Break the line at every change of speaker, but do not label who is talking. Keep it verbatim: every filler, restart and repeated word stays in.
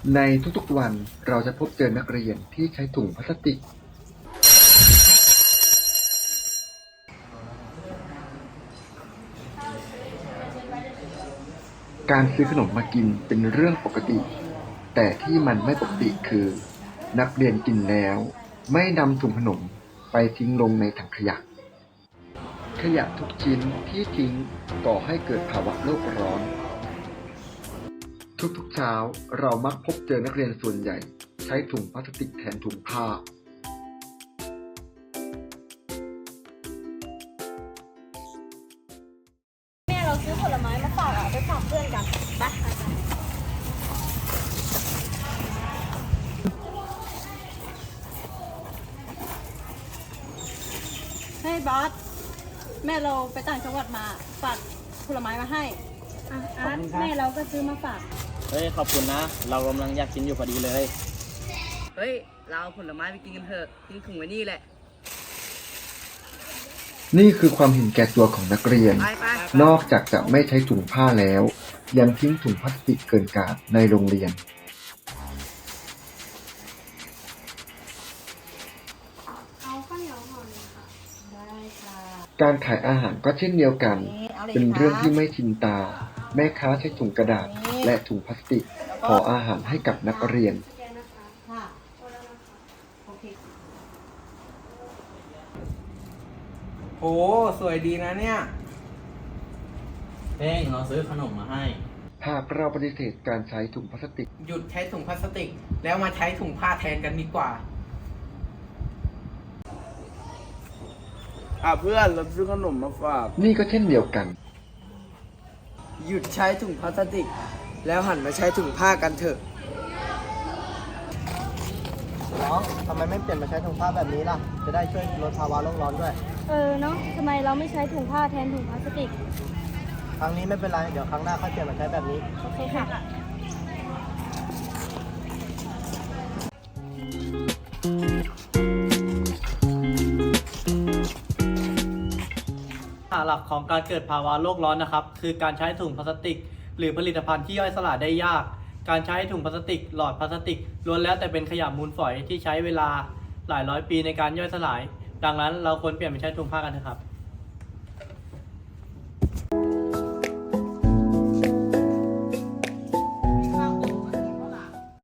ในทุกๆวันเราจะพบเจอนักเรียนที่ใช้ถุงพลาสติกการซื้อขนมมากินเป็นเรื่องปกติแต่ที่มันไม่ปกติคือนักเรียนกินแล้วไม่นำถุงขนมไปทิ้งลงในถังขยะขยะทุกชิ้นที่ทิ้งก่อให้เกิดภาวะโลกร้อนทุกๆเช้าเรามักพบเจอนักเรียนส่วนใหญ่ใช้ถุงพลาสติกแทนถุงผ้า
แม่เราซื้อผลไม้มาฝากอ่ะไปฝากเพื่อนกันไปเฮ้ยบอสแม่เราไปต่างจังหวัดมาฝากผลไม้มาให้อ่ะอาร์ตแม่เราก็ซื้อมาฝาก
เฮ้ยขอบคุณนะ เรากำลังอยากกินอยู่พอดีเลย
เฮ้ย เราเอาผลไม้ไปกินกันเถอะทิ้งถุงไว้นี่แหละ
นี่คือความเห็นแก่ตัวของนักเรียน
ไปไป
นอกจากจะไม่ใช้ถุงผ้าแล้ว ยังทิ้งถุงพลาสติกเกินกาลในโรงเรียน
เอาข้าวเหนียวห่อหนึ่งค่ะได้ค่ะ
การขายอาหารก็เช่นเดียวกัน เป็นเรื่องที่ไม่ชินตา แม่ค้าใช้ถุงกระดาษและถุงพลาสติกห่ออาหารให้กับนักเรียน
ค่ะ
โหสวยดีนะเนี่ย
เป้งเราซื้อขนมมาให้
หากเราปฏิเสธการใช้ถุงพลาสติก
หยุดใช้ถุงพลาสติก แล้วมาใช้ถุงผ้าแทนกันดีกว่า
อ่ะเพื่อนเราซื้อขนมมาฝาก
นี่ก็เช่นเดียวกัน
หยุดใช้ถุงพลาสติก แล้วหันมาใช้ถุงผ้ากันเถอะ
น้องทำไมไม่เปลี่ยนมาใช้ถุงผ้าแบบนี้ล่ะ จะได้ช่วยลดภาวะโลกร้อนด้วย
เออเนาะทำไมเราไม่ใช้ถุงผ้าแทนถุงพลาสติก
ครั้งนี้ไม่เป็นไร เดี๋ยวครั้งหน้าค่อยเปลี่ยนมาใช้แบบนี้
โอเคค่ะ
หลักของการเกิดภาวะโลกร้อนนะครับคือการใช้ถุงพลาสติกหรือผลิตภัณฑ์ที่ย่อยสลายได้ยากการใช้ถุงพลาสติกหลอดพลาสติกล้วนแล้วแต่เป็นขยะมูลฝอยที่ใช้เวลาหลายร้อยปีในการย่อยสลายดังนั้นเราควรเปลี่ยนไปใช้ถุงผ้ากันเถอะครับ